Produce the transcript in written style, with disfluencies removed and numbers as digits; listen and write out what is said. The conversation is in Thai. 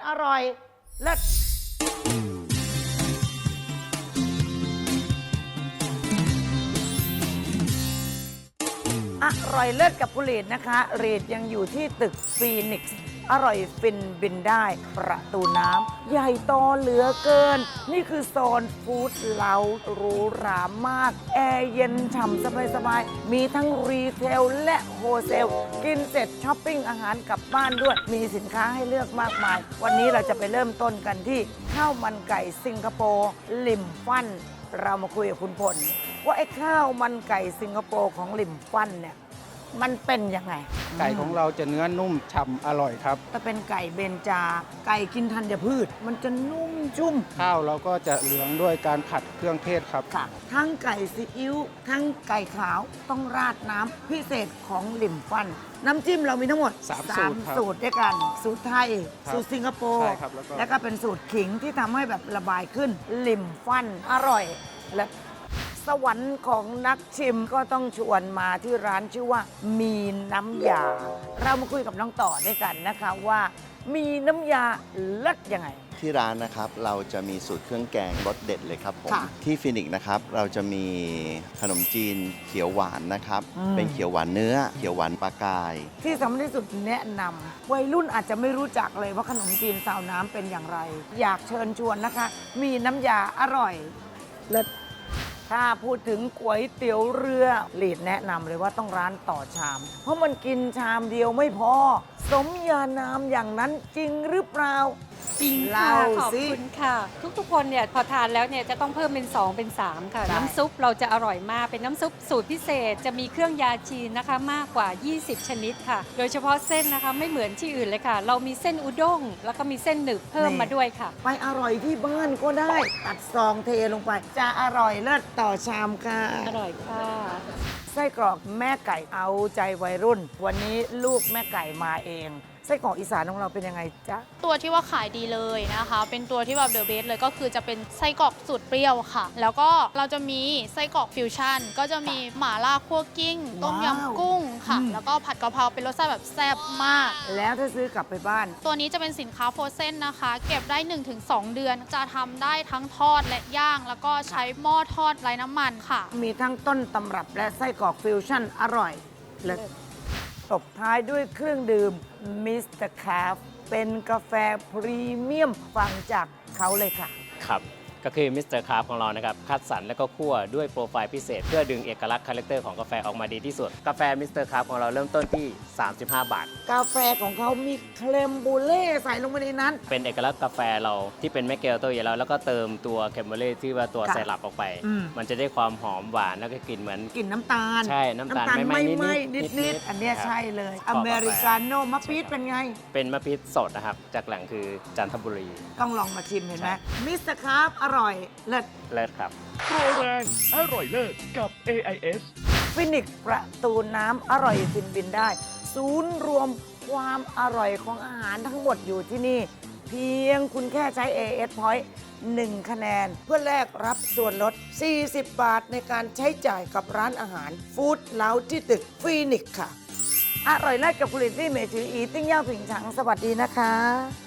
อร่อยเลิศอร่อยเลิศกับคุณลีดนะคะลีดยังอยู่ที่ตึกฟีนิกซ์อร่อยฟินบินได้ประตูน้ำใหญ่โตเหลือเกินนี่คือโซนฟู้ดเล้าหรูหรามากแอร์เย็นฉ่ำสบายๆมีทั้งรีเทลและโฮเซลกินเสร็จช้อปปิ้งอาหารกลับบ้านด้วยมีสินค้าให้เลือกมากมายวันนี้เราจะไปเริ่มต้นกันที่ข้าวมันไก่สิงคโปร์ลิมฟันเรามาคุยกับคุณพลว่าไอ้ข้าวมันไก่สิงคโปร์ของลิมฟันเนี่ยมันเป็นยังไงไก่ของเราจะเนื้อนุ่มฉ่ำอร่อยครับถ้าเป็นไก่เบญจาไก่กินธัญพืชมันจะนุ่มชุ่มข้าวเราก็จะเหลืองด้วยการผัดเครื่องเทศครับค่ะทั้งไก่ซีอิ๊วทั้งไก่ขาวต้องราดน้ำพิเศษของลิมฟันน้ำจิ้มเรามีทั้งหมด3 สูตรด้วยกันสูตรไทยสูตรสิงคโปร์แล้วก็เป็นสูตรขิงที่ทำให้แบบระบายขึ้นลิมฟันอร่อยและสวรรค์ของนักชิมก็ต้องชวนมาที่ร้านชื่อว่ามีน้ำยาเรามาคุยกับน้องต่อด้วยกันนะคะว่ามีน้ำยาเลิศยังไงที่ร้านนะครับเราจะมีสูตรเครื่องแกงรสเด็ดเลยครับผมที่ฟินิกนะครับเราจะมีขนมจีนเขียวหวานนะครับเป็นเขียวหวานเนื้อเขียวหวานปลากายที่สำคัญที่สุดแนะนำวัยรุ่นอาจจะไม่รู้จักเลยว่าขนมจีนซาวน้ำเป็นอย่างไร อยากเชิญชวนนะคะ มีน้ำยาอร่อยเลิศถ้าพูดถึงก๋วยเตี๋ยวเรือลีดแนะนำเลยว่าต้องร้านต่อชาม เพราะมันกินชามเดียวไม่พอสมญานามอย่างนั้นจริงหรือเปล่าจริงค่ะขอบคุณค่ะทุกๆคนเนี่ยพอทานแล้วเนี่ยจะต้องเพิ่มเป็น2เป็น3ค่ะน้ำซุปเราจะอร่อยมากเป็นน้ำซุปสูตรพิเศษจะมีเครื่องยาจีนนะคะมากกว่า20ชนิดค่ะโดยเฉพาะเส้นนะคะไม่เหมือนที่อื่นเลยค่ะเรามีเส้นอุด้งแล้วก็มีเส้นหนึบเพิ่มมาด้วยค่ะไปอร่อยที่บ้านก็ได้ตัดซองเทลงไปจะอร่อยเลิศต่อชามค่ะอร่อยค่ะไส้กรอกแม่ไก่เอาใจวัยรุ่นวันนี้ลูกแม่ไก่มาเองไส้กรอกอีสานของเราเป็นยังไงจ๊ะตัวที่ว่าขายดีเลยนะคะเป็นตัวที่แบบเดอะเบสเลยก็คือจะเป็นไส้กรอกสูตรเปรี้ยวค่ะแล้วก็เราจะมีไส้กรอกฟิวชั่นก็จะมีหม่าล่าคั่วกิ้งต้มยำกุ้งค่ะแล้วก็ผัดกะเพราเป็นรสชาติแบบแซ่บมากแล้วถ้าซื้อกลับไปบ้านตัวนี้จะเป็นสินค้าโฟรเซนนะคะเก็บได้ 1-2 เดือนจะทำได้ทั้งทอดและย่างแล้วก็ใช้หม้อทอดไร้น้ำมันค่ะมีทั้งต้นตำรับและไส้กรอกฟิวชั่นอร่อยและตบท้ายด้วยเครื่องดื่มมิสเตอร์คาฟเป็นกาแฟพรีเมียมฟังจากเขาเลยค่ะครับก็คือมิสเตอร์คราฟของเรานะครับคัดสรรและก็คั่วด้วยโปรไฟล์พิเศษเพื่อดึงเอกลักษณ์คาแรคเตอร์ของกาแฟออกมาดีที่สุดกาแฟมิสเตอร์คราฟของเราเริ่มต้นที่35 บาทกาแฟของเขามีเคลมบูเล่ใส่ลงไปในนั้นเป็นเอกลักษณ์กาแฟเราที่เป็นแมคเกลโตอยู่แล้วแล้วก็เติมตัวเคมเบอร์เล่ที่ว่าตัวไซรัปออกไปมันจะได้ความหอมหวานแล้วก็กลิ่นเหมือนกลิ่นน้ำตาลใช่น้ำตาลไม่นิดอันนี้ใช่เลยอเมริกาโน่มะปี๊ดเป็นไงเป็นมะปี๊ดสดนะครับจากแหล่งคือจันทบุรีต้องลองมาชิมเห็นไหมมิสเตอร์คราฟอร่อยเลิศครับโปรแรงอร่อยเลิศกับ AIS ฟินิกประตูน้ำอร่อยฟินบินได้ศูนย์รวมความอร่อยของอาหารทั้งหมดอยู่ที่นี่เพียงคุณแค่ใช้ AIS Point 1 คะแนนเพื่อแลกรับส่วนลด40 บาทในการใช้จ่ายกับร้านอาหารฟู้ดเล้าที่ตึกฟินิกค่ะอร่อยเลิศกับผลิตที่เมจืออีติ้งย่างผิงฉังสวัสดีนะคะ